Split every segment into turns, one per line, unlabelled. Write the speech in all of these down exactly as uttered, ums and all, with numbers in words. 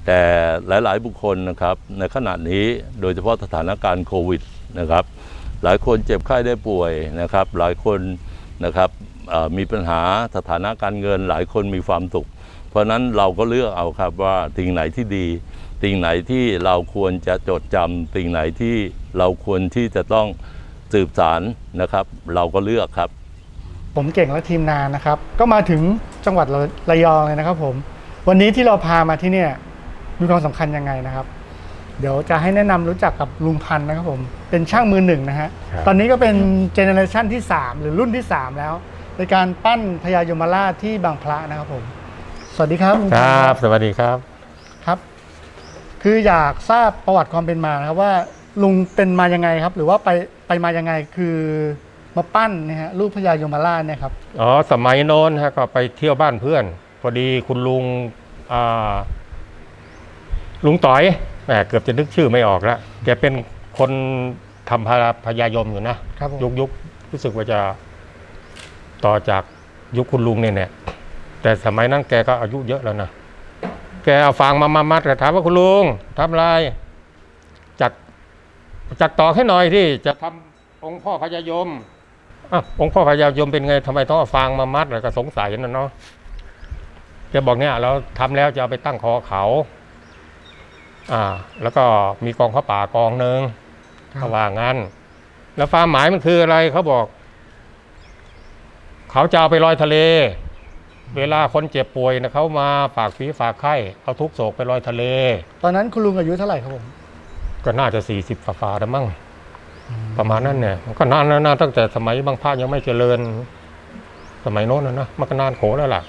แต่หลายๆบุคคลนะครับในขณะนี้โดยเฉพาะสถานการณ์โควิดนะครับหลายคนเจ็บไข้ได้ป่วยนะครับหลายคนนะครับมีปัญหาสถานะการเงินหลายคนมีความสุขเพราะนั้นเราก็เลือกเอาครับว่าสิ่งไหนที่ดีสิ่งไหนที่เราควรจะจดจำสิ่งไหนที่เราควรที่จะต้องสืบสานนะครับเราก็เลือกครับ
ผมเก่งและทีมงานนะครับก็มาถึงจังหวัดระยองเลยนะครับผมวันนี้ที่เราพามาที่เนี่ยมีความสำคัญยังไงนะครับเดี๋ยวจะให้แนะนำรู้จักกับลุงพันธ์นะครับผมเป็นช่างมือหนึ่งนะฮะตอนนี้ก็เป็นเจเนอเรชันที่สามหรือรุ่นที่สามแล้วในการปั้นพญายมราชที่บางพระนะครับผมสวัสดีครับลุงพันธ์
ครับสวัสดีครับ
ครับคืออยากทราบประวัติความเป็นมานะครับว่าลุงเป็นมายังไงครับหรือว่าไปไปมายังไงคือมาปั้นนะฮะรูปพญายมราชเนี่ยครับ
อ๋อสมัยโน้นฮะก็ไปเที่ยวบ้านเพื่อนพอดีคุณลุงอ่าลุงต่อยแหมเกือบจะนึกชื่อไม่ออกแล้วแกเป็นคนทำพญายมอยู่นะยุคยุครู้สึกว่าจะต่อจากยุคคุณลุงเนี่ยเนี่ยแต่สมัยนั้นแกก็อายุเยอะแล้วนะแกเอาฟางมามามัดถามว่าคุณลุงทำอะไรจักจักต่อให้หน่อยที่จะทำองค์พ่อพญายมอ่ะองค์พ่อพญายมเป็นไงทำไมต้องเอาฟางมามัดแล้วก็สงสัยนะเนาะแกบอกเนี่ยเราทำแล้วจะเอาไปตั้งคอเขาอ่าแล้วก็มีกองพระป่ากองหนึ่งเขาว่างั้นแล้วความหมายมันคืออะไรเขาบอกเขาจะเอาไปลอยทะเลเวลาคนเจ็บป่วยนะเขามาฝากฝีฝากไข้เอาทุกโศกไปลอยทะเล
ตอนนั้นคุณลุงอายุเท่าไหร่ครับผม
ก็น่าจะสี่สิบฝ่าๆแล้วมั้งประมาณนั้นเนี่ยก็นานแล้วนะตั้งแต่สมัยบางพระยังไม่เจริญสมัยโน้นนะนะมันก็นานโขแล้วล่ะ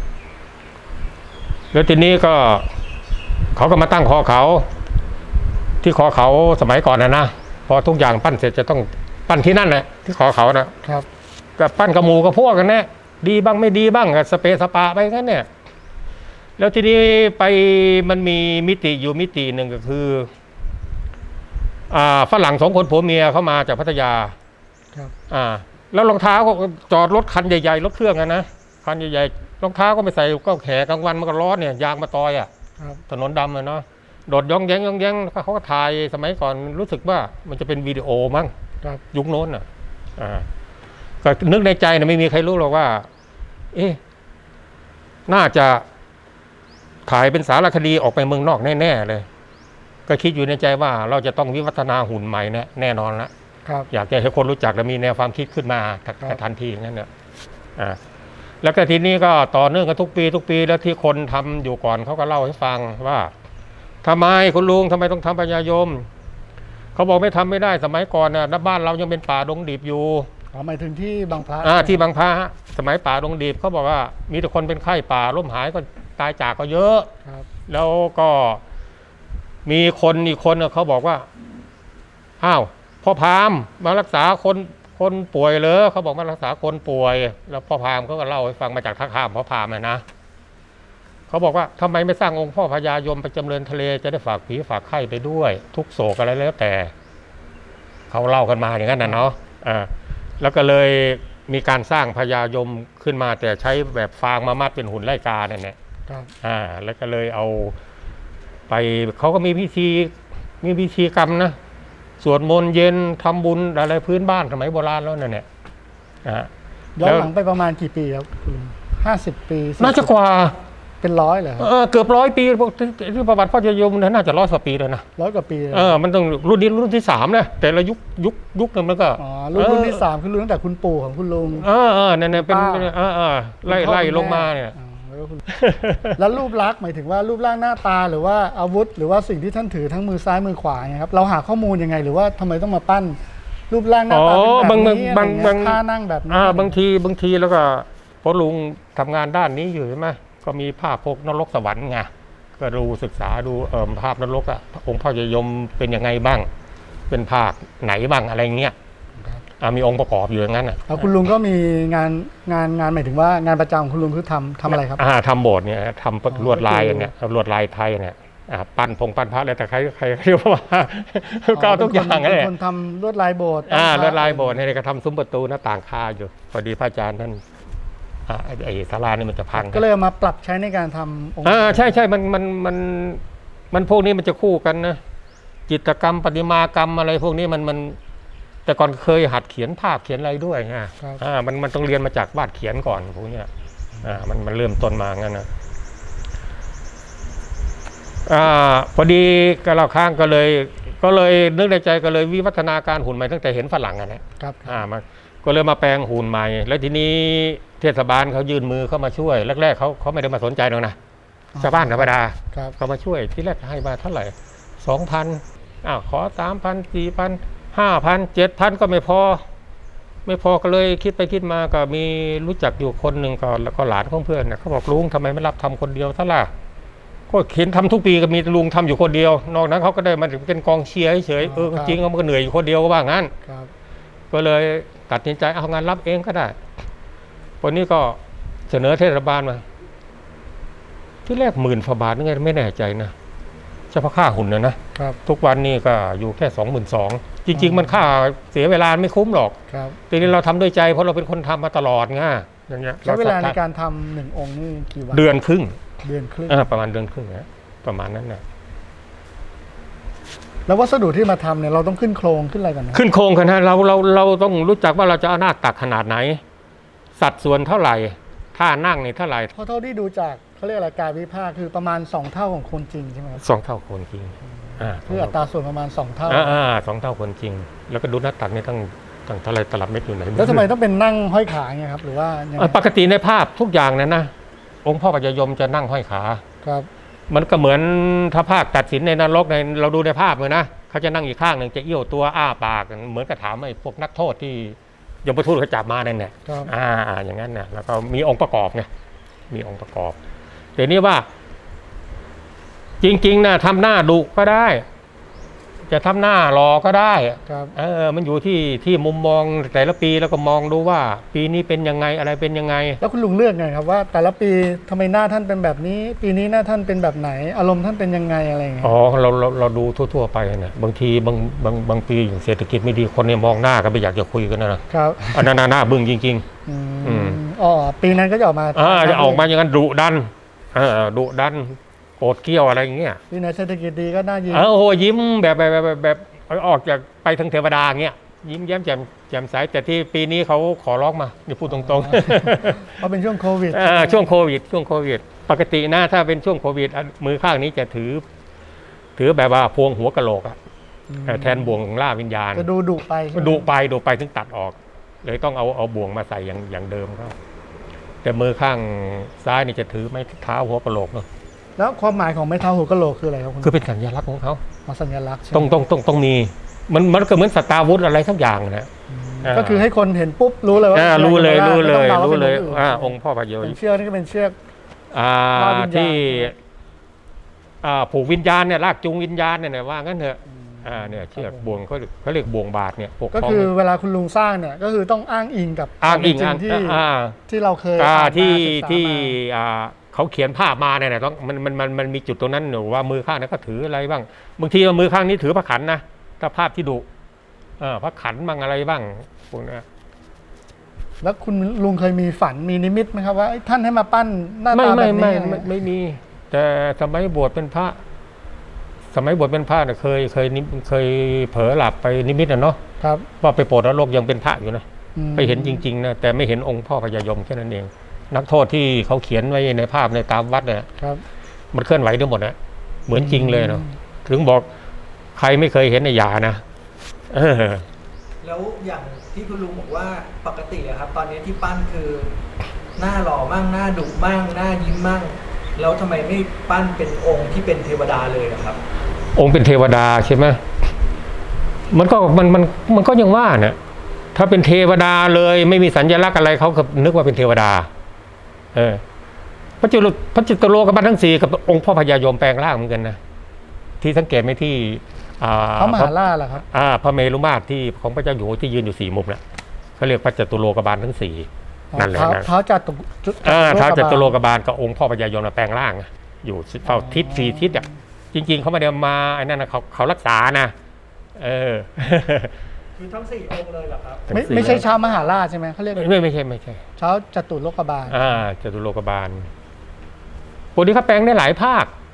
แล้วทีนี้ก็เขาก็มาตั้งคอเขาที่คอเขาสมัยก่อนนะนะพอทุกอย่างปั้นเสร็จจะต้องปั้นที่นั่นแหละที่คอเขานะครับกับปั้นกระหมูกับพวกกันแน่ดีบ้างไม่ดีบ้างกับสเปซสปาไปงั้นเนี่ยแล้วทีนี้ไปมันมีมิติอยู่มิติหนึ่งก็คืออ่าฝรั่งสองคนผัวเมียเข้ามาจากพัทยาครับอ่าแล้วรองเท้าก็จอดรถคันใหญ่ๆรถเครื่องกันนะคันใหญ่ๆรองเท้าก็ไม่ใส่ก็แขกลางวันมันก็ร้อนเนี่ยยางมาตอยอ่ะถนนดำเลยเนาะโดดย่องแย้งย่องแย้งเขาก็ถ่ายสมัยก่อนรู้สึกว่ามันจะเป็นวิดีโอมั้งยุคโน้นอ่ะอ่าก็นึกในใจนะไม่มีใครรู้หรอกว่าเอ๊ะน่าจะถ่ายเป็นสารคดีออกไปเมืองนอกแน่ๆเลยก็คิดอยู่ในใจว่าเราจะต้องวิวัฒนาหุ่นใหม่แน่แน่นอนละอยากจะให้คนรู้จักและมีแนวความคิดขึ้นมาทันทีอย่างนั้นเนี่ยอ่าแล้วก็ทีนี้ก็ต่อเนื่องกันทุกปีทุกปีแล้วที่คนทำอยู่ก่อนเขาก็เล่าให้ฟังว่าทำไมคุณลุงทำไมต้องทำพญายมเขาบอกไม่ทำไม่ได้สมัยก่อนน่ะบ้านเรายังเป็นป่าดงดิบอยู่
อ๋อหมายถึงที่บางพระ
อ่าที่บางพระสมัยป่าดงดิบเขาบอกว่ามีแต่คนเป็นไข้ป่าล้มหายก็ตายจากก็เยอะแล้วก็มีคนอีกคนเขาบอกว่าอ้าวพ่อพราหมณ์มารักษาคนคนป่วยเลยเขาบอกมารักษาคนป่วยแล้วพ่อพราหมณ์เขาก็เล่าให้ฟังมาจากท่าข้ามพ่อพราหมณ์นะเขาบอกว่าทำไมไม่สร้างองค์พ่อพญายมไปจำเริญทะเลจะได้ฝากผีฝากไข้ไปด้วยทุกโศกอะไรแล้วแต่เขาเล่ากันมาอย่างนั้นนะเนาะอ่าแล้วก็เลยมีการสร้างพญายมขึ้นมาแต่ใช้แบบฟางมามัดเป็นหุ่นไล่กาเนี่ยแหละอ่าแล้วก็เลยเอาไปเขาก็มีพิธีมีพิธีกรรมนะสวดมนต์เย็นทำบุญอะไรพื้นบ้านสมัยโบราณแล้วนั่นเนี่ย
ย้อนหลังไปประมาณกี่ปีครับห้าสิบปี
น่าจะกว่า
เป็นร้อยเหรอ
เออเกือบร้อยปีที่ประวัติพ่อพญายมน่าจะร้อยกว่าปีเลยนะ
ร้อยกว่าปี
เออมันต้องรุ่นนี้รุ่นที่สามนะแต่ละยุคยุคยุคนึงมันก็
อ๋อรุ่นรุ่นที่สามคือรุ่นตั้งแต่คุณปู่ของคุณลุง
เออเออเนี่ยเป็นเออเออไล่ไล่ลงมาเนี่ย
แล้วรูปลักษณ์หมายถึงว่ารูปร่างหน้าตาหรือว่าอาวุธหรือว่าสิ่งที่ท่านถือทั้งมือซ้ายมือขวาไงครับเราหาข้อมูลยังไงหรือว่าทำไมต้องมาปั้นรูปร่างหน้าตาแบบนี้บางบางท่านั่งแบบนี้
บางทีบางทีแล้วก็พอลุงทำงานด้านนี้อยู่ใช่ไหมก็มีภาพพวกนรกสวรรค์ไงก็ดูศึกษาดูเอ่อภาพนรกอ่ะองค์พ่อพญายมเป็นยังไงบ้างเป็นภาคไหนบ้างอะไรเงี้ยมีองค์ประกอบอยู่อย่างนั้นอ่ะ
คุณลุงก็มีงานงานงานหมายถึงว่างานประจำคุณลุงคือทำทำอะไรครับ
อ่าทำโบสถ์เนี่ยทำลวดลายเนี่ยลวดลายไทยเนี่ยปั้นพงปั้นพระอะไรแต่ใครใครเรียกว่าก็ทุกอย่าง
เลยคนทำลวดลายโบสถ์
อ่าลวดลายโบสถ์เนี่ยก็ทำซุ้มประตูหน้าต่างคาอยู่พอดีพระอาจารย์ท่านไอ้ศาลานี่มันจะพัง
ก็เลยมาปรับใช้ในการทำองค์
อ่าใช่ใช่มันมันมันมันพวกนี้มันจะคู่กันนะจิตรกรรมประติมากรรมอะไรพวกนี้มันมันแต่ก่อนเคยหัดเขียนภาพเขียนอะไรด้วยฮะอ่ามันมันต้องเรียนมาจากวาดเขียนก่อนพวกเนี้ยอ่ามันมันเริ่มต้นมางั้นนะอ่าพอดีก็เราข้างก็เลยก็เลยนึกในใจก็เลยวิวัฒนาการหุ่นใหม่ตั้งแต่เห็นฝรั่งอ่ะนะครับอ่ามาก็เลยมาแปลงหุ่นใหม่แล้วทีนี้เทศบาลเขายื่นมือเข้ามาช่วยแรกๆเขาเขาไม่ได้มาสนใจหรอกนะชาวบ้านธรรมดาเขามาช่วยที่แรกให้มาเท่าไหร่สองพันอ้าวขอสามพันสี่พันห้าพันเจ็ดพันก็ไม่พอไม่พอก็เลยคิดไปคิดมาก็มีรู้จักอยู่คนหนึ่งก็แล้วก็หลานของเพื่อนเนี่ยเขาบอกลุงทำไมไม่รับทำคนเดียวซะล่ะก็เห็นทำทุกปีก็มีลุงทำอยู่คนเดียวนอกนั้นเขาก็ได้มาเป็นกองเชียร์เฉยเออจริงเขาก็เหนื่อยอยู่คนเดียวก็ว่างั้นก็เลยตัดสินใจเอางานรับเองก็ได้วันนี้ก็เสนอเทศบาลมาที่แรกหมื่นฝาบาทนี่ไงไม่แน่ใจนะเฉพาะค่าหุ่นนะนะทุกวันนี้ก็อยู่แค่สองหมื่นสองจริงๆมันค่าเสียเวลาไม่คุ้มหรอกทีนี้เราทำด้วยใจเพราะเราเป็นคนทำมาตลอดไงอย่างเงี้ย
ใช้เวลาในการทำหนึ่งองค์นี่กี่วัน
เดือนครึ่ง
เดือนครึ่ง
ประมาณเดือนครึ่งนะประมาณนั้นนะ
แล้ววัสดุที่มาทำเนี่ยเราต้องขึ้นโครงขึ้นอะไรกันนะ
ขึ้นโครงกันนะเราเราเราต้องรู้จักว่าเราจะเอาหน้าตักขนาดไหนสัดส่วนเท่าไหร่ท่านั่งนี่เท่าไหร่
เพราะเท่าที่ดูจากเขาเรียกอะไรการวิพากษ์คือประมาณสองเท่าของคนจริงใช่ไหมครับ
สองเท่าคนจริง
อ่าคืออัตราส่วนประมาณสองเท่า
อ่าสองเท่าคนจริงแล้วก็ดูหน้าตักนี่ตั้งตั้งเท่าไรตลับเม็ดอยู่ไหน
แล้วทำไมต้องเป็นนั่งห้อยขาไงครับหรือว่า
ปกติในภาพทุกอย่างนั้นนะองค์พ่อพญายมจะนั่งห้อยขา
ครับ
มันก็เหมือนถ้าภาคตัดสินในนรกในเราดูในภาพเลยนะเขาจะนั่งอีกข้างหนึ่งจะเอี้ยวตัวอ้าปากเหมือนกับถามไอ้พวกนักโทษที่ยมทูตเขาจับมานั่นแหละอ่าอย่างนั้นนะแล้วก็มีองค์ประกอบไงมีองค์ประกอบแต่นี่ว่าจริงๆนะทำหน้าดุก็ได้จะทำหน้ารอก็ได้เออมันอยู่ที่ที่มุมมองแต่ละปีแล้วก็มองดูว่าปีนี้เป็นยังไงอะไรเป็นยังไง
แล้วคุณลุงเลือกไงครับว่าแต่ละปีทำไมหน้าท่านเป็นแบบนี้ปีนี้หน้าท่านเป็นแบบไหนอารมณ์ท่านเป็นยังไงอะไรอย่างเงี้ย
อ๋อเราเราเราดูทั่วๆไปเนี่ยบางทีบางบางบางปีเศรษฐกิจไม่ดีคนเนี่ยมองหน้าก็ไม่อยากจะคุยกันนะครับอันนั้นหน้าบึ้งจริงๆ
อืมอ๋อปีนั้นก็จะออกมา
อ่าจะออกมาอย่างนั้นดุดันเออดุดันโกรธเกี้ยวอะไรอย่างเงี้ย
ปีไหนเศรษฐกิจดีก็น่ายิ้ม
เออโอ้ยิ้มแบบแบบแบบแบบออกจากไปทางเทวดาเงี้ยยิ้มแย้มแจ่มแจ่มใสแต่ที่ปีนี้เขาขอร้องมาอย่าพูดตรง
ๆเพราะเป็นช่วงโควิด
ช่วงโควิดช่วงโควิดปกตินะถ้าเป็นช่วงโควิดมือข้างนี้จะถือถือแบบว่าพวงหัวกะโหลกอะแทนบ่วงล่าวิญญาณ
จะดูดุไป
ดุไปดุไปถึงตัดออกเลยต้องเอาเอาบ่วงมาใส่อย่างอย่างเดิมก็แต่มือข้างซ้ายนี่จะถือไม้เท้าหัวกะโหลกเนาะ
แล้วความหมายของไม้เท้าหัวกะโหลกคืออะไรครับคุณ
คือเป็นสัญลักษณ์ของเขา
สัญลักษณ์
ต้องต้องต้องต้องมีมันมันก็เหมือนสตาร์วุธอะไรทั้งอย่างนะ
ก็คือให้คนเห็นปุ๊บรู้เลยว่า
รู้เลยรู้เลยรู้เลยอ่าองค์พ่อพญายม
เชือกนี่ก็เป็นเชือก
อ่าที่อ่าผูกวิญญาณเนี่ยลากจูงวิญญาณเนี่ยว่างั้นเถอะอ่าเนี่ยเชือกบ่วงเขาเขาเรียกบ่วงบาทเนี่ย
ก็คือเวลาคุณลุงสร้างเนี่ยก็คือต้องอ้างอิงกับ
อ้างอิง
ที่ที่เราเคย
ที่ที่อ่าเขาเขียนภาพมาเนี่ยนะต้องมันมันมันมันมีจุดตรงนั้นหนูว่ามือข้างนั้นก็ถืออะไรบ้างบางทีมือข้างนี้ถือพระขันนะถ้าภาพที่ดุเออพระขันบ้างอะไรบ้างพวกนี้
แล้วคุณลุงเคยมีฝันมีนิมิตไหมครับว่าท่านให้มาปั้นหน้าตาแบบนี้
ไม่ไม่ไม่ไม่มีแต่สมัยบวชเป็นพระสมัยบวชเป็นพระเนี่ยเคยเคยเคยเผลอหลับไปนิมิตนะเนาะ
ครับ
ว่าไปโปรดนรกยังเป็นพระอยู่นะไปเห็นจริงๆนะแต่ไม่เห็นองค์พ่อพญายมแค่นั้นเองนักโทษที่เขาเขียนไว้ในภาพในตามวัดเนี่ยมันเคลื่อนไหวทั้งหมดนะเหมือนจริงเลยเนาะถึงบอกใครไม่เคยเห็นในยานะเออ
แล้วอย่างที่คุณลุงบอกว่าปกติอะครับตอนนี้ที่ปั้นคือหน้าหล่อมั่งหน้าดุมั่งหน้ายิ้มมั่งแล้วทำไมไม่ปั้นเป็นองค์ที่เป็นเทวดาเลยครับ
องค์เป็นเทวดาใช่ไหมมันก็มันมันมันก็ยังว่าเนี่ยถ้าเป็นเทวดาเลยไม่มีสัญลักษณ์อะไรเขาก็นึกว่าเป็นเทวดาเออพระจุลพระจิตโลกบันทั้งสี่กับองค์พ่อพญายมแปลงร่างเหมือนกันนะที่สังเกตไหมที่
พระมหาราชเหรอครับ
อ่าพระเมรุมาตรที่ของพระเจ้าอยู่หัวที่ยืนอยู่สี่มุมน่ะเขาเรียกพระจตุโลกบาลทั้งสี่นั่นแหละ
นะเท้าจัตุ
อ่าเท้าจตุโลกบาลกับองค์พ่อพญายมแปลงร่างอยู่เฝ้าทิศสี่ทิศอ่ะจริงๆเขาไม่ได้มาไอ้นั่นนะเขาเขารักษานะเออ
คือทั้งสี่องค์เลยเหรอครับ
ไม่ไม่ใช่เช้ามหาราชใช่ไหมเขาเรียก
ไม่ไม่ใช่ไม่ใช่
เช้าจตุโลกบาล
อ่าจตุโลกบาลพวกนี้เขาแปลงได้หลายภาค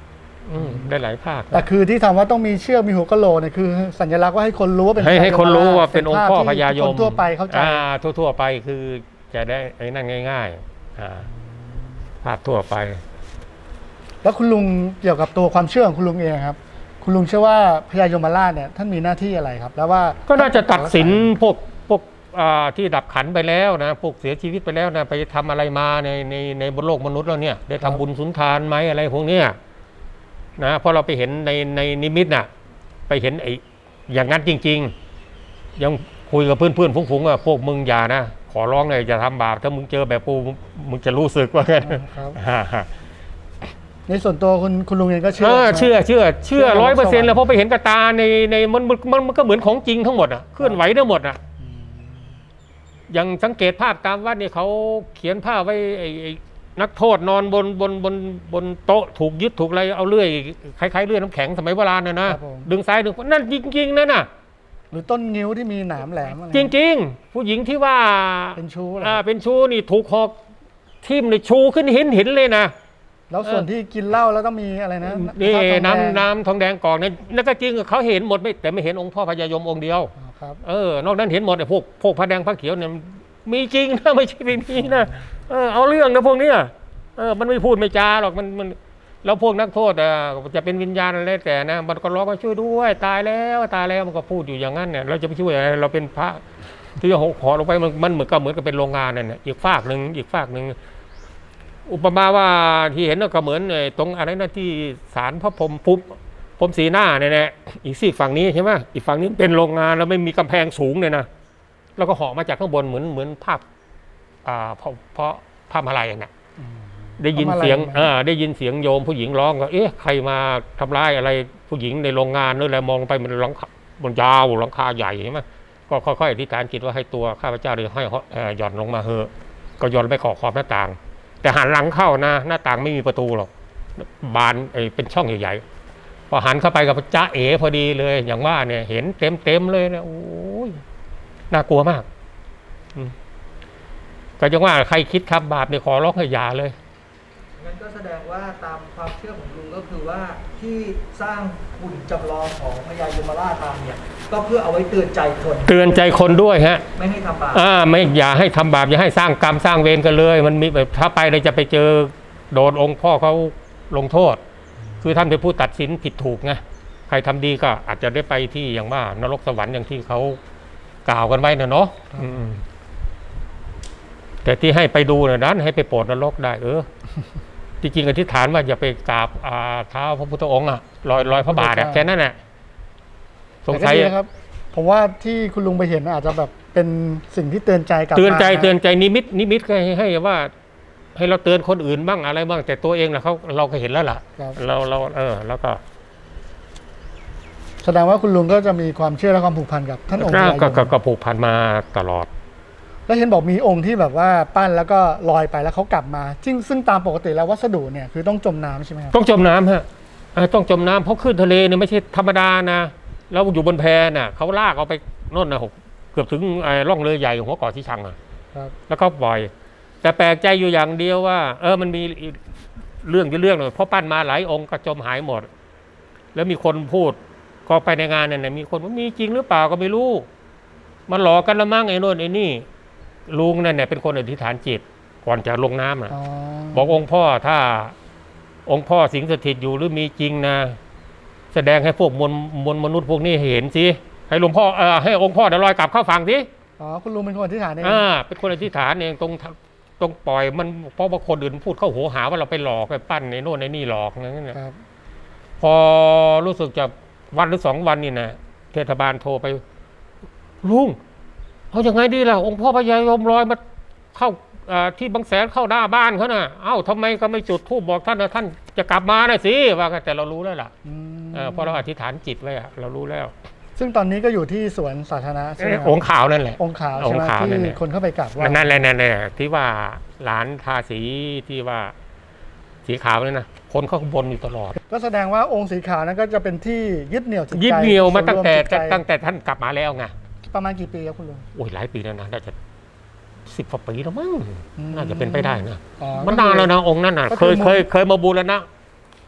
อืมได้หลายภาค
แต่คือที่ทำว่าต้องมีเชือกมีหัวกะโหลกเนี่ยคือสัญลักษณ์ว่าให้คนรู้ว่าเป็น
ให้
พญ
ให้คนรู้ว่าเป็น
ภ
องค์พ่อพญาย
ที่
ม
คนทั่วไปเข้าใจ
อ่าทั่วๆไปคือจะได้ไอ้นั่นง่ายๆอ่าภาพทั่วไป
แล้วคุณลุงเกี่ยวกับตัวความเชื่อของคุณลุงเองครับ คุณลุงเชื่อว่าพญายมราชเนี่ยท่านมีหน้าที่อะไรครับ แล้วว่า
ก็น่าจะตัดสินพวกพวกอ่าที่ดับขันไปแล้วนะพวกเสียชีวิตไปแล้วนะไปทำอะไรมาในในในบนโลกมนุษย์แล้วเนี่ยได้ทำบุญสุนทานไหมอะไรพวกเนี้ยนะเพราะเราไปเห็นในในนิมิตน่ะไปเห็นไอ้อย่างนั้นจริง ๆ ยังคุยกับเพื่อนเพื่อนฟุ้งๆว่าพวกมึงอย่านะขอร้องเลยอย่าทำบาปถ้ามึงเจอแบบกูมึงจะรู้สึกว่าไง
ครับ
ฮ่าฮ่า
ในส่วนตัวคุณคุณลุงเองก็เชื่
เออ
ใไหม
เชื่อเชื่อเชื่อ
เชื่อ
ร้อยเปอร์เซ็นต์
สวรรค์
แล้วเพราะไปเห็นกับตาในในมันมันมันมันก็เหมือนของจริงทั้งหมดอ่ะเคลื่อนไหวได้หมดอ่ะอย่างสังเกตภาพตามวัดเนี่ยเขาเขียนภาพไว้ไอ้ไอ้นักโทษนอนบนบนบนบนโต๊ะถูกยึดถูกอะไรเอาเลื่อยคล้ายๆเลื่อยน้ำแข็งสมัยโบราณน่ะนะครับ
ผม
ดึงซ้ายดึงขวานั่นจริงๆนั่นน่ะ
หรือต้นงิ้วที่มีหนามแหลมอะไร
จริง ๆ ผู้หญิงที่ว่า
เป็นชู้เหรอ
อ่าเป็นชู้นี่ถูกหอกทิ่มในชูขึ้นเห็นเห็นเลยนะ
แล้วส่วนที่กินเหล้าแล้วต้องมีอะไรนะ
นี่
ข้าวทองแดง
น้ำน้ำทองแดงกอกเนี่ยนั่นก็จริงเขาเห็นหมดไม่แต่ไม่เห็นองค์พ่อพญายมองค์เดียว
อ๋อครับ
เออนอกนั้นเห็นหมดไอ้พวกพวกผ้าแดงผ้าเขียวเนี่ยมีจริงนะไม่ใช่ไม่มีนะเออเอาเรื่องนะพวกเนี้ยเออมันไม่พูดไม่จาหรอกมันมันแล้วพวกนักโทษอ่ะจะเป็นวิญญาณอะไรแต่นะมันก็ร้องมาช่วยด้วยตายแล้วตายแล้วมันก็พูดอยู่อย่างนั้นเนี่ยเราจะไปช่วยอะไรเราเป็นพระที่จะหอลงไปมันมันเหมือนกับเหมือนกับเป็นโรงงานนั่นแหละอีกฝากหนึ่งอีกฝากหนึ่งอุปมาว่าที่เห็นก็เหมือนไอ้ตรงอะไรนะที่ศาลพระพรหมปุ๊บพรหมสีหน้าเนี่ยนะอีกซีกฝั่งนี้ใช่ไหมอีกฝั่งนี้เป็นโรงงานแล้วไม่มีกำแพงสูงเลยนะแล้วก็เหาะมาจากข้างบนเหมือนเหมือนภาพอ่าเพราะเพราะภาพอะไรน่ะได้ยินเสียง
พระมาลัย
เออได้ยินเสียงโยมผู้หญิงร้องก็เอ๊ะใครมาทำร้ายอะไรผู้หญิงในโรงงานนู่นแหละมองไปมันหลังคาบนยาวหลังคาใหญ่ใช่ไหมก็ค่อยๆอธิษฐานจิตว่าให้ตัวข้าพเจ้าเลยให้เอ่อหย่อนลงมาเหอะก็หย่อนไปขอบขอบหน้าต่าง แต่หันหลังเข้านะหน้าต่างไม่มีประตูหรอกบานไอ้เป็นช่องใหญ่ๆพอหันเข้าไปกับจ้าเอ๋พอดีเลย อย่างว่าเนี่ยเห็นเต็มเต็มๆเลยนะโอ้ยน่ากลัวมากอืมก็ยังว่าใครคิดทำบาปเนี่ยขอร้องให้อย่าเลย
งั้นก็แสดงว่าตามความเชื่อของลุงก็คือว่าที่สร้างหุ่นจำลองของพญายมราชมาเนี่ยก็เพื่อเอาไว้เตือนใจคน
เตือนใจคนด้วยฮะ
ไม่ให้ทำบาป
อ่าไม่อย่าให้ทำบาปอย่าให้สร้างกรรมสร้างเวรกันเลย มันมีแบบถ้าไปเลยจะไปเจอโดนองค์พ่อเขาลงโทษ คือท่านเป็นผู้ตัดสินผิดถูกไงใครทำดีก็อาจจะได้ไปที่อย่างว่านรกสวรรค์อย่างที่เขากล่าวกันไว้นะเนาะอืมแต่ที่ให้ไปดูนะนั้นให้ไปโปรดนรกได้เออ จริงๆอธิษฐานว่าอย่าไปกราบอ่าเท้าพระพุทธองค์อะรอยรอยพระบาทอะแค่นั้นแหละสง
แต่ก็
สัย
ดีนะครับ ผมว่าที่คุณลุงไปเห็นอาจจะแบบเป็นสิ่งที่เตือนใจกลับ
เตือนใจ
มาะ
เตือนใจนิมิตนิมิตก็ให้ให้ว่า ให้เราเตือนคนอื่นบ้างอะไรบ้าง แต่ตัวเองนะเขาเราก็เห็นแล้วล่ะ
ครับ
เราเราเออ แล้วก็
แสดงว่าคุณลุงก็จะมีความเชื่อและความผูกพันกับท่านองค์พ
ก็
ญาย
ก็
ม
ก็ก็ผูกพันมาตลอด
แล้วเห็นบอกมีองค์ที่แบบว่าปั้นแล้วก็ลอยไปแล้วเขากลับมาซึ่งซึ่งตามปกติแล้ววัสดุเนี่ยคือต้องจมน้ำใช่ไหมครับ
ต้องจมน้ำฮะเออต้องจมน้ำเพราะขึ้นทะเลเนี่ยไม่ใช่ธรรมดานะเราอยู่บนแพน่ะเขาลากเอาไปโน่นนะหกเกือบถึงไอ้ร่องเรือใหญ่หัวเกาะที่ชังอ่ะ
ครับ
แล้วก็ปล่อย แต่แปลกใจอยู่อย่างเดียวว่า เออมันมีอีกเรื่องอยู่เรื่องหนึ่งเพราะปั้นมาหลายองค์ก็จมหายหมด แล้วมีคนพูดก็ไปในงานนั่นนะมีคนว่ามีจริงหรือเปล่าก็ไม่รู้มันหลอกกันละมั้งไอ้โน่นไอ้นี่ลุงนั่นเนี่ยเป็นคนอธิษฐานจิตก่อนจะลงน้ำนะ
อ๋อ
บอกองค์พ่อถ้าองค์พ่อสิงสถิตอยู่หรือมีจริงนะแสดงให้พวกมวลมวลมนุษย์พวกนี้เห็นสิให้หลวงพ่อเออให้องค์พ่อเดี๋ยวลอยกลับเข้าฝั่งสิ
อ๋อคุณลุงเป็นคนที่ฐานเอง
อ่าเป็นคนอธิษฐานเองตรงตรงปล่อยมันเพราะว่าคนอื่นพูดเข้าหัวหาว่าเราไปหลอกไปปั้นในโน่นในนี่หลอกอย่างนั้นนะครับ พอรู้สึกจะวันหรือสองวันนี่นะเทศบาลโทรไปลุงเอาอย่างไงดีล่ะองค์พ่อพญายมลอยมาเข้าอ่าที่บางแสนเข้าหน้าบ้านเขาน่ะเอ้าทำไมก็ไม่จุดธูปบอกท่านนะท่านจะกลับมาน่ะสิว่ากันแต่เรารู้แล้วล่ะ
อืม
เออเพราะเราอธิษฐานจิตไว้อะเรารู้แล้ว
ซึ่งตอนนี้ก็อยู่ที่สวนสาธารณะใช่ไหม
เอ๊ะ
ครับ
องค์ขาวนั่นแหละ
องค์ขาว
อ
ใช่
ง
ไห
ค์
ม
ขาวนั่นแห
ที่
ละ
คนเข้าไปกราบไหว้
นั่นแหละนั่นแหละที่ว่าหลานทาสีที่ว่าสีขาวนี่นะคนเขาบนอยู่ตลอด
ก็แสดงว่าองค์สีขาวนั้นก็จะเป็นที่ยึดเหนี่ยวจิตใจ
ยึดเหนี่ยวมาตั้งแต่
ศูนย์รวมจิตใจ
ตั้งแต่ท่านกลับมาแล้วไง
ประมาณกี่ปีครับคุณลุง
โอ้ยหลายปีแล้วนะน่าจะสิบกว่าปีแล้วมั้ง
อืม
น่าจะเป็นไปได้นะ
อ๋อ
มันนานแล้วนะองค์นั้นน่ะ
ก็
เค
คือย
เคยเคยมาบูรณะ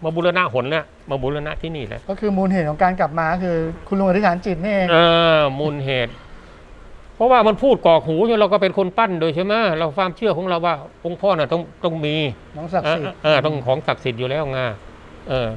มาบูรณะหนเนี่ยมาบูรณะที่นี่แหละ
ก็คือมูลเหตุของการกลับมาคือคุณลุงอธิษฐานจิตนี่เอง
เออมูลเหตุ เพราะว่ามันพูดกรอกหูเนี่ยเราก็เป็นคนปั้นโดยใช่ไหมเราความเชื่อของเราว่าองค์พ่อน่ะต้องต้องมี
น้องศักดิ์สิทธิ์
เออต้องของศักดิ์สิทธิ์อยู่แล้วไงเออ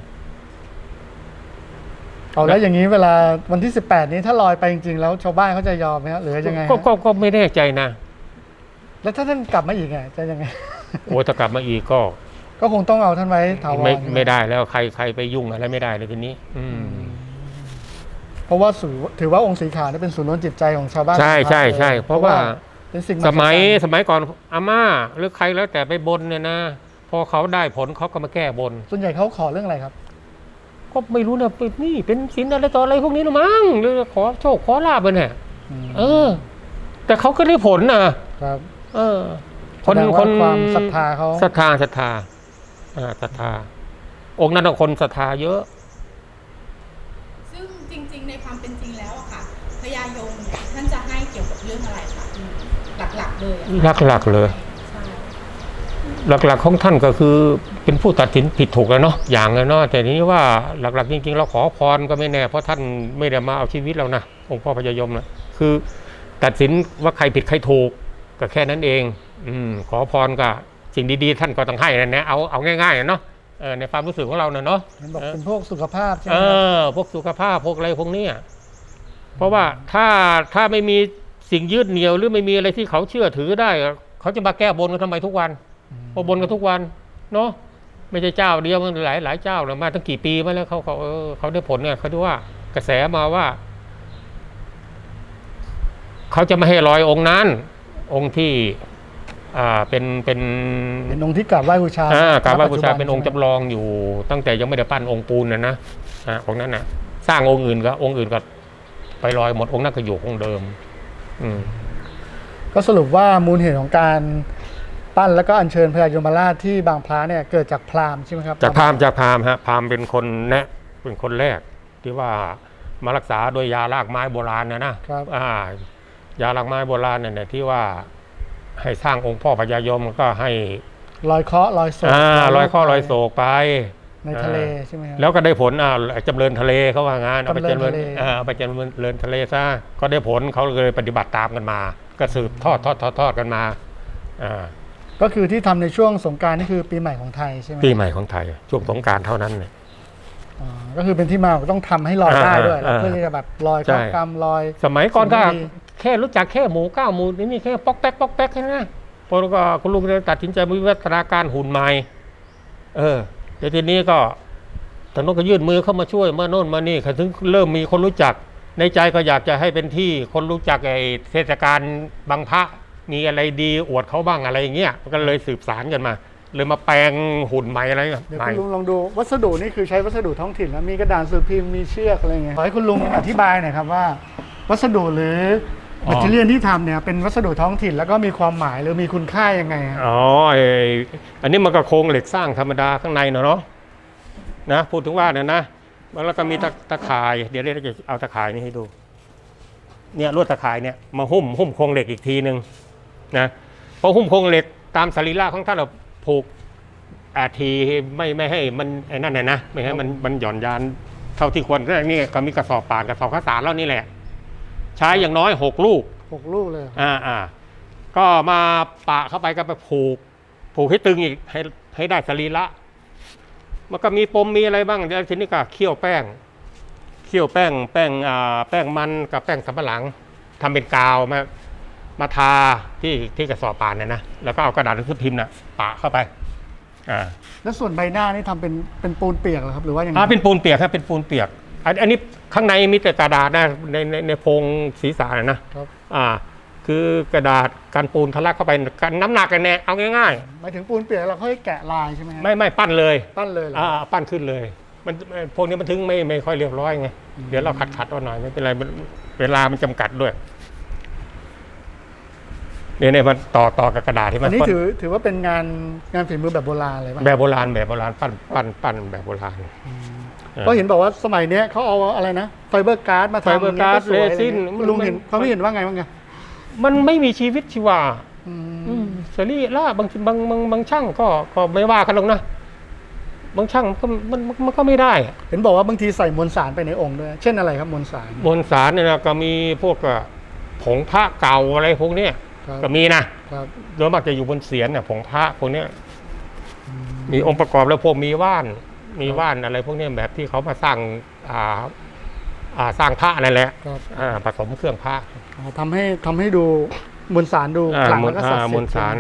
เอาแล้วอย่างนี้เวลาวันที่สิบแปดนี้ถ้าลอยไปจริงๆแล้วชาวบ้านเขาจะยอมไหมครับหรือยังไงฮะ
ก็ก็ก็ไม่แน่ใจนะ
แล้วถ้าท่านกลับมาอีกไงจะยังไง
โอ้ถ้ากลับมาอีกก็
ก็คงต้องเอาท่านไว้ถาวร
ไม่
ใช่ห
ไม่ได้แล้วใครใครไปยุ่งอะไรไม่ได้เลยทีนี้ อืม
เพราะว่าถือถือว่าองค์สีขาวนี่เป็นศูนย์รวมจิตใจของชาวบ้าน
ใช่ใช่ใช่เพราะว่า
เป็นสิ่ง
สมัย
หัศจรรย์
สมัยก่อนอาม่าหรือใครแล้วแต่ไปบนเนี่ยนะ พอเขาได้ผลเขาก็มาแก้บน
ส่วนใหญ่เขาขอเรื่องอะไรครับ
ก็ไม่รู้นะเป็นนี่เป็นศีลอะไรต่ออะไรพวกนี้หรือมั้งหรือขอโชคขอลาบไปเนี่ย
ม
เออ แต่เขาก็ได้ผลนะครับ เออ
แสดงว่าความศรัทธาเขา
ศรัทธาศรัทธาอ่าศรัทธาองค์นั้นนะคนศรัทธาเยอะ
ซึ่งจริงๆ ในความเป็นจริงแล้วอะค่ะพญายมเนี่ยท่านจะให้เกี่ยวกับเรื่องอะไรคะหลักๆเลยอะ
หลักๆเลย
ใช่
หลักๆของท่านก็คือเป็นผู้ตัดสินผิดถูกแล้วเนาะอย่างเลยเนาะแต่ทีนี้ว่าหลักๆจริงๆเราขอพรก็ไม่แน่เพราะท่านไม่ได้มาเอาชีวิตเรานะองค์พ่อพญายมนะคือตัดสินว่าใครผิดใครถูกก็แค่นั้นเอง อืมขอพรก็สิ่งดีๆท่านก็ต้องให้นั่นนะเอาเอาง่ายๆเนาะเออในความรู้สึกของเราเนาะ
เห็นบอกเป็นพวกสุขภาพใช่ไห
เอ
มครับ
อพวกสุขภาพพวกอะไรพวกเนี้ยเพราะว่าถ้าถ้าไม่มีสิ่งยืดเหนี่ยวหรือไม่มีอะไรที่เขาเชื่อถือได้เขาจะมาแก้บนกันทำไมทุกวันพอบนกันทุกวันเนาะไม่ใช่เจ้าเดียวมันหลายหลายเจ้าเลยมาตั้งกี่ปีมาแล้วเขาเขาเออเขาได้ผลเนี่ยเขาดูว่ากระแสมาว่าเขาจะไม่ให้ลอยองค์นั้น องค์ที่ อ่าเป็นเป็น
เป็นองค์ที่กราบไหว้บูชา
อ่ากราบไหว้บูชา
ณปัจจุ
เป็นองค์จำลองอยู่ ตั้งแต่ยังไม่ได้ปั้นองค์ปูนนะนะอ่าองค์นั้นนะสร้างองค์อื่นก็องค์อื่นก็ไปลอยหมดองค์นั้นก็อยู่องค์เดิม อืม
ก็สรุปว่ามูลเหตุของการปั้นแล้วก็อัญเชิญพญายมราชที่บางพระเนี่ยเกิดจากพราหมณ์ใช่ไหมครับ
จากพราหมณ์จากพราหมณ์ฮะพราหมณ์เป็นคนแนะเป็นคนแรก ที่ว่ามารักษาโดยยารากไม้โบราณนะนะครับ อ่ายารากไม้โบราณเนี่ยที่ว่าให้สร้างองค์พ่อพญายมก็ให้
ลอยเคราะห์ลอยโศก
อ่าลอยข้อลอยโศกไป
ในทะเลใช่ไหมครับ
แล้วก็ได้ผลอ่าจำเริญทะเลเขาว่างานเอาไป
จำเริญ
จำเริญ
ทะเล
อ่าเอาไปจำเริญทะเลซะก็ได้ผลเขาเลยปฏิบัติตามกันมา ก็สืบทอดทอดทอดทอดกันมาอ่า
ก็คือที่ทำในช่วงสงกรานต์นี่คือปีใหม่ของไทยใช่ไหม
ปีใหม่ของไทยช่วงสงกรานต์เท่านั้นเนี่ย
อ๋อก็คือเป็นที่มาต้องทำให้ลอยได้ด้วย
อ่า
เพื่อที่จะแบบลอย
ใช่
ข้ามกรรมลอย
สมัยก่อนก็
สิ่งไม่ดี
แค่รู้จักแค่หมูเก้าหมูนี่แค่ป๊อกแป๊กป๊อกแป๊กแค่นั้นนะพอก็คุณลุงเลยตัดสินใจวิวัฒนาการหุ่นใหม่เออเดี๋ยวทีนี้ก็ทางโน้นก็ยื่นมือเข้ามาช่วยมาโน่นมานี่ถึงเริ่มมีคนรู้จักในใจก็อยากจะให้เป็นที่คนรู้จักไอ้เทศกาลบางพระมีอะไรดีอวดเขาบ้างอะไรอย่างเงี้ยก็เลยสืบสารกันมา เลยมาแปลงหุ่นใหม่อะไร
เดี๋ยว
ใหม่
คุณลุงลองดูวัสดุนี่คือใช้วัสดุท้องถิ่นแล้วมีกระดานสื่อพิมพ์มีเชือกอะไรเงี้ยขอให้คุณลุงอธิบายหน่อยครับว่า วัสดุหรือแมทเทียลที่ทำเนี่ยเป็นวัสดุท้องถิ่นแล้วก็มีความหมายหรือมีคุณค่ายังไงฮะ
อ๋อไอ้อันนี้มันก็โครงเหล็กสร้างธรรมดาข้างในเนาะเนาะนะพูดถึงว่าเนี่ยนะแล้วก็มีตะตะข่ายเดี๋ยวเราจะเอาตะข่ายนี้ให้ดูเนี่ยลวดตะข่ายเนี่ยมาหุ้มหุ้มโครงเหล็กอีกทีหนึ่งนะพอหุ้มโครงเหล็กตามสรีระของท่านเราผูกอาทีไม่ไม่ให้มันไอ้นั่นน่ะนะไม่ให้มันมันหย่อนยานเท่าที่ควรก็นี่ก็มีกระสอบป่านกระสอบข้าวสารแล้วนี่แหละ ใช้อย่างน้อยหกลูก
หกลูกเลย
อ่าอ่าก็มาปะเข้าไปก็ไปผูก ผูกให้ตึงอีกให้ให้ได้สรีระมันก็มีปมมีอะไรบ้างแล้วทีนี้ก็เคี่ยวแป้งเคี่ยวแป้งแป้งอ่าแป้งมันกับแป้งสำปะหลังทำเป็นกาวมามาทาที่ที่กระสอบป่านเนี่ยนะแล้วก็เอากระดาษหนังสือพิมพ์น่ะปะเข้าไปอ่า
แล้วส่วนใบหน้านี่ทำเป็นเป็นปูนเปียกเหรอครับหรือว่ายังไง
อ่าเป็นปูนเปียกครับเป็นปูนเปียกอันอันนี้ข้างในมีแต่กระดาษนะในในในโพรงศีรษะนะนะครับ อ่าคือกระดาษการปูนทะลักเข้าไปกันน้ำหนักกันแน่เอาง่าย
หมายถึงปูนเปียกเราค่อยแกะลายใช่ไหมฮะ
ๆไม่ไม่ปั้นเลย
ปั้นเลยเหรอ
อ่าปั้นขึ้นเลยมันพวกนี้มันถึงไม่ไม่ค่อยเรียบร้อยไงเดี๋ยวเราขัดขัดเอาหน่อยไม่เป็นไรมันเวลามันจำกัดด้วยเนี่ยเนี่ยมันต่อต่อกับกระดาษที่มั
อั
น
นนี้
ปั้น
ถือถือว่าเป็นงานงานฝีมือแบบโบราณเลยป่ะ
แบบโบราณแบบโบราณปั้นปั้นปั้นแบบโบราณ
ก็เห็นบอกว่าสมัยเนี้ยเขาเอาอะไรนะไฟเบอร์การ์ดมาทำ
ไฟเบอร์การ์ด
สวย
เรซิน
คุณลุงเห็นเขาไม่เห็นว่าไงบ้างไง
มันไม่มีชีวิตชีวา
อืม
อืมสรีระบางบางบางบางช่างก็ก็ไม่ว่ากันหรอกนะบางช่างมันมันมันก็ไม่ได้อะ
เห็นบอกว่าบางทีใส่มวลสารไปในองค์ด้วย เช่นอะไรครับมวลสาร
มวลสารเนี่ยนะก็มีพวกอ่ะผงพระเก่าอะไรพวกเนี้ย
ครับ
ก็มีนะครับ โดยมากจะอยู่บนเศียรเนี่ยผงพระพวกเนี้ย
อืม
มีองค์ประกอบแล้วพวกมีว่านมีว่านอะไรพวกเนี้ยแบบที่เขามาสร้างอ่าอ่าสร้างพระนั่นแหละ
ครับ
อ่าผสมเครื่องพระ
อ๋อทำให้ทำให้ดูมวลสารดู
อ่า
ขลัง
มวล
แล้วก็ศักดิ์สิทธิ์
อ่ามวลสาร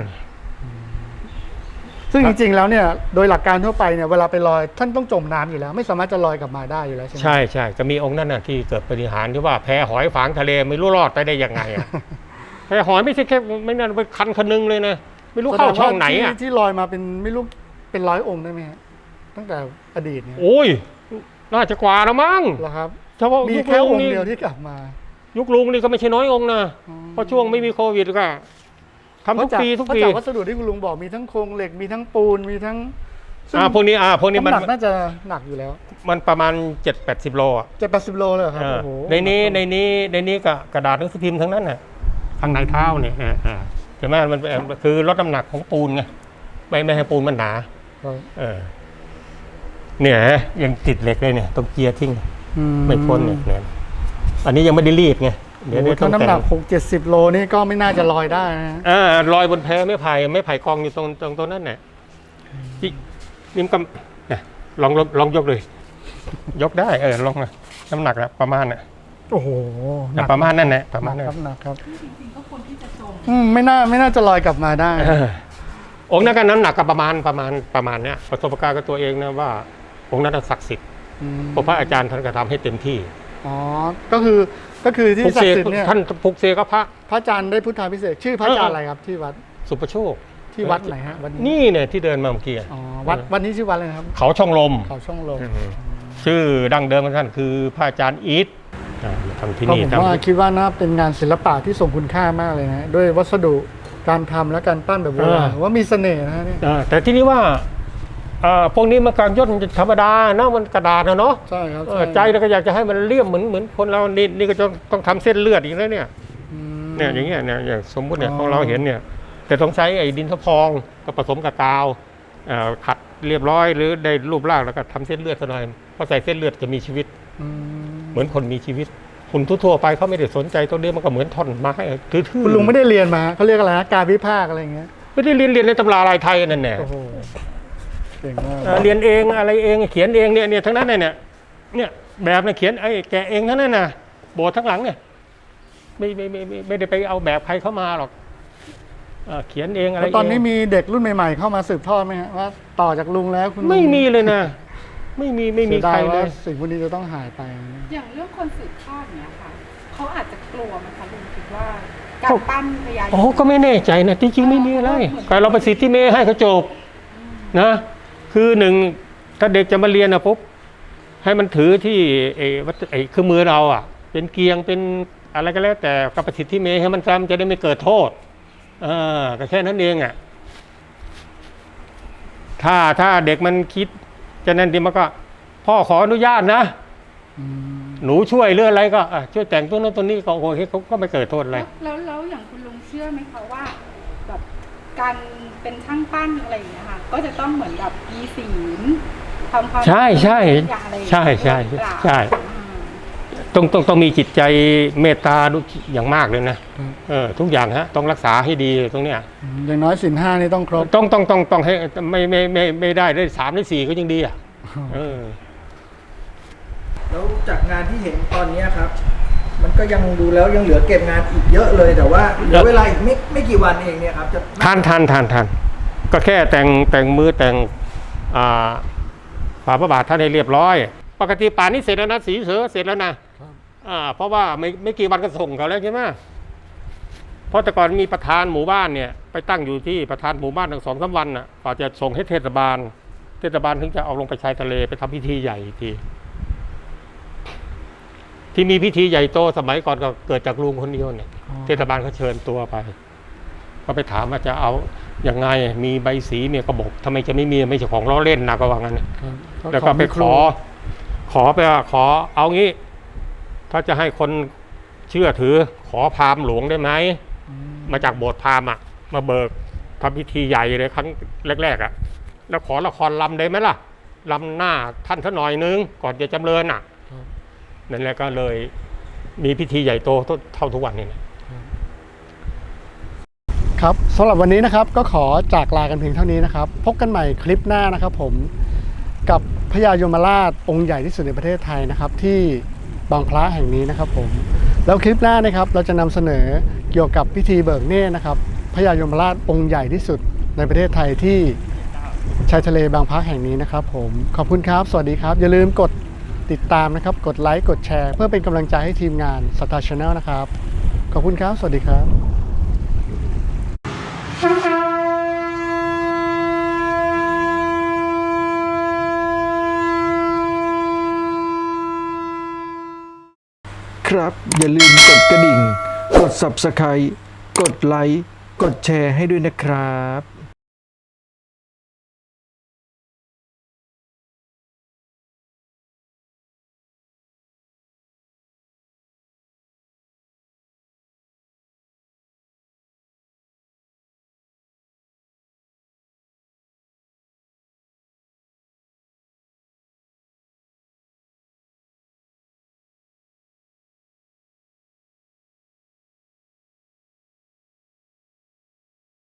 ซึ่งจริงๆแล้วเนี่ยโดยหลักการทั่วไปเนี่ยเวลาไปลอยท่านต้องจมน้ำอยู่แล้ว ไม่สามารถจะลอยกลับมาได้อยู่แล้วใช่ไหม
ใช่ใช่จะมีองค์นั้นน่ะที่เกิดปาฏิหารย์ที่ว่าแพหอยฝางทะเลไม่รู้รอดไปได้ยังไงอ่ะ แพหอยไม่ใช่แค่ไม่นั่นเป็นคันคันนึงเลยนะไม่รู้เข้าช่องไหนอ่ะ
ที่ที่ลอยมาเป็นไม่รู้เป็นร้อยองค์ได้ไหมฮะตั้งแต่อดีตเนี่ย
โอ้ยน่าจะกว่าแล้วมั้ง
เหรอครับ
เฉพาะ
มี
ยุค
แค่
ลุ
อง งค์
นี่
เดียวที่กลับมา
ยุคลุงนี่ก็ไม่ใช่น้อยองค์นะ
อ๋อ
เพราะช่วงไม่มีโควิดก็ทำทุกปีทุก
เพราะ
ปี
จากวัสดุที่คุณลุงบอกมีทั้งโครงเหล็กมีทั้งปูนมีทั้งซึ่ง
อ่าพวกนี้อ่าพวกนี้มัน
น้ำหนักน่าจะหนักอยู่แล้ว
มันประมาณเจ็ดแปดสิบโลอ่ะ
เจ็ดแปดสิบโลเลยเหรอครับ
เออ
โอ้โห
ในนี้ในนี้ในนี้ก็กระดาษหนังสือพิมพ์ทั้งนั้นน่ะข้างในเท้าเนี่ยอ่าอ่าใช่ไหมมันเป็นคือลดน้ำหนักของปูนไงไม่ไม่ให้ปูนมันหนา
ครับ
เออเนี่ยยังติดเหล็กเลยเนี่ยต้องเกียร์ทิ้ง
อื
ไม่พ้นเนี่ยเนี่ยอันนี้ยังไม่ได้รีดไงเดี๋ยว
โอ้
เดี๋
โห
ยวต้อ
ถ้าง น้ำห
แต่
นั
ง
กหกเจ็ดสิบโลนี่ก็ไม่น่าจะลอยได้นะ
เออลอยบนแพไม่ไผ่ไม่ไผ่กองอยู่ตรงตรงตรงนั้นเนี่ยจินี่มันก็เนี่ยลองลองลองยกเลย ยกได้เออลองนะน้ำหนักนะประมาณน่ะ
โอ้โหหนัก
ประมาณนั่นแหละประมาณ
หนั
นั้
ก
น
ครับหนักครับ
จริงๆก็ควรที่จะจม
อืมไม่น่าไม่น่าจะลอยกลับมาได้
เออองค์นั้นก็น้ำหนักก็ประมาณประมาณประมาณเนี้ยประสบการณ์กับตัวเองนะว่าองค์นั้นศักดิ์สิทธิ์เพราะพระอาจารย์ท่านก็ทำให้เต็มที่
อ๋อ ก็คือก็คือที่
ปลุก
ศัก
เสก
ดิ์สิทธิ์เนี่ย
ท่านปลุกเสกก็พระ
พระอาจารย์ได้พุทธาพิเศษกชื่อพระอาจารย์อะไรครับที่วัด
สุประโชค
ที่วัดไหนฮะวัดนี้
นี่เนี่ยที่เดินมาเมื่อกี้
อ๋อวัดวัดนี้ชื่อวัดอะไรนะครับ
เขาช่องลม
เขาช่องลม
ชื่อดั้งเดิมของท่านคือพระอาจารย์อีทอ่าทำที่
ก็
นี่
ผม
ทำ
ว่า
ที่
คิดว่าน่าเป็นงานศิลปะที่ทรงคุณค่ามากเลยนะด้วยวัสดุการทำและการปั้นแบบโบราณว่ามีเสน่ห์นะฮะเนี่ย
อ่าแต่ที่นี้ว่าอ่าพวกนี้มันการย่นธรรมดาเนาะมันกระดาษนะเนาะ
ใช่ครับ
เออใจเราก็อยากจะให้มันเลี่ยมเหมือนเหมือนคนเรานี่นี่ก็ต้องต้องทำเส้นเลือดอีกแล้วเนี่ย
อืม
เนี่ยอย่างเงี้ยเนี่ยอย่างสมมุติเนี่ย
อ๋อ
ของเราเห็นเนี่ยแต่ต้องใช้ไอ้ดินสะพองก็ผสมกับกาวอ่าขัดเรียบร้อยหรือได้รูปร่างแล้วก็ทำเส้นเลือดซะหน่อยพอใส่เส้นเลือดจะมีชีวิต
อืม
เหมือนคนมีชีวิตคุณทั่วๆไปเขาไม่ได้สนใจตรงนี้มันก็เหมือนท่อนไม้ทื่อๆ
คุณลุงไม่ได้เรียนมาเขาเรียกอะไรนะการวิพากษ์อะไรอย่างเงี้ย
ไม่ได้เรียนเรียนในตำราลายไทยนั่นแหละ
โอ้โหเก่งมาก
เอ่อเรียนเองอะไรเองเขียนเองเนี่ยเนี่ยทั้งนั้นเนี่ยเนี่ยแบบเนี่ยเขียนไอ้แกะเองทั้งนั้นน่ะโบสถ์ทั้งหลังเนี่ยไม่ไม่ไม่ไม่ไม่ได้ไปเอาแบบใครเข้ามาหรอกเอ่อเขียนเองอะไร
แล้วตอนนี้
เง
มีเด็กรุ่นใหม่ๆเข้ามาสืบทอดไหมฮะว่าต่อจากลุงแล้วคุณลุง
ไม่มีเลยนะไม่มีไม่มี
เสีย
ใค
ดาร ย
เล
ว่าย สิ่งพวกนี้จะต้องหายไป
อย่างเรื่องคนสืบทอดเนี้ยค่ะเขาอาจจะกลัวไหมคะลุงคิดว่าการปั้นพญายม
โอ้ก็ไม่แน่ใจนะที่จริงไม่มีอะไรแต่เราไปสิทธิเมย์ให้เขาจบนะคือหนึ่งถ้าเด็กจะมาเรียนนะปุ๊บให้มันถือที่ไอ้วัตถุไอ้เครื่องมือเราอ่ะ เป็นเกียงเป็นอะไรก็แล้ว แต่กับประสิทธิเมย์ให้มันจำจะได้ไม่เกิดโทษเออก็แค่นั้นเองอ่ะถ้าถ้าเด็กมันคิดจะนั่นดีมันก็ พ่อขออนุญาตนะ
อืม
หนูช่วยเรื่องอะไรก็อ่ะช่วยแต่งตัวนั้นตัวนี้ก็โอเคเขาก็ไม่เกิดโทษอะไร
แล้วแล้วแล้วอย่างคุณลุงเชื่อไหมคะว่าแบบการเป็นช่างปั้นอะไรอย่างเงี้ยค่ะก็จะต้องเหมือนแบบมีศีลทำความ
ใช่ใช่
อย่างอะไรอย่าง
ใช่
เงี้ย
ใช่
หรือเปล่า
ใช่
อ่า
ต้องต้องต้องมีจิตใจเมตตาอย่างมากเลยนะเออทุกอย่างฮะต้องรักษาให้ดีตรงเนี้ย
อย่างน้อยสินห้านี่ต้องครบ
ต้องต้องต้องต้องให้ไม่ไม่ไม่ไม่ได้ได้สามได้สี่ก็ยังดีอ่ะเออ
แล้วจากงานที่เห็นตอนเนี้ยครับ มันก็ยังดูแล้วยังเหลือเก็บงานอีกเยอะเลย แต่ว่าเหลือเวลาอีกไม่ไม่กี่วันเองเนี่ยครับจะ
ทานทานทานทานก็แค่แต่งแต่งมือแต่งอ่าฝาพระบาทท่านให้เรียบร้อย ปกติป่านนี้เสร็จแล้วนะสีเสือเสร็จแล้วนะอ่าเพราะว่าไม่ไม่กี่วันก็ส่งเขาแล้วใช่ไหมเพราะแต่ก่อนมีประธานหมู่บ้านเนี่ยไปตั้งอยู่ที่ประธานหมู่บ้านทั้งสองสามวันน่ะกว่าจะส่งให้เทศบาล เทศบาลถึงจะเอาลงไปชายทะเลไปทำพิธีใหญ่อีกทีที่มีพิธีใหญ่โตสมัยก่อนก็เกิดจากลุงคนเดียวเนี่ย
อ๋อ
เทศบาลเขาเชิญตัวไปก็ไปถามว่าจะเอาอย่างไงมีใบสีเนี่ยก็บอกทำไมจะไม่มีไม่ใช่ของล้อเล่นนะก็ว่างั้น
ครับ
แล้วก็ไปขอ ขอไปว่าขอเอางี้ ถ้าจะให้คนเชื่อถือ ขอพราหมณ์หลวงได้ไหม
อืม
มาจากโบสถ์พราหมณ์อ่ะ มาเบิกทำพิธีใหญ่เลยครั้งแรกๆอ่ะ แล้วขอละครลำได้ไหมล่ะลำหน้าท่านสักหน่อยนึงก่อนจะจำเริญอ่ะนั่นแหละก็เลยมีพิธีใหญ่โตเท่าทุกวันนี้นะครับ
สำหรับวันนี้นะครับก็ขอจากลากันเพียงเท่านี้นะครับพบกันใหม่คลิปหน้านะครับผมกับพญายมราชองค์ใหญ่ที่สุดในประเทศไทยนะครับที่บางพระแห่งนี้นะครับผมแล้วคลิปหน้านะครับเราจะนำเสนอเกี่ยวกับพิธีเบิกเนตรนะครับพญายมราชองค์ใหญ่ที่สุดในประเทศไทยที่ชายทะเลบางพระแห่งนี้นะครับผมขอบคุณครับสวัสดีครับอย่าลืมกดติดตามนะครับกดไลค์กดแชร์เพื่อเป็นกำลังใจให้ทีมงานสตาร์ชาแนลนะครับขอบคุณครับสวัสดีครับ
ครับอย่าลืมกดกระดิ่ง กด ซับสไครบ์ กดไลค์ กดแชร์ให้ด้วยนะครับ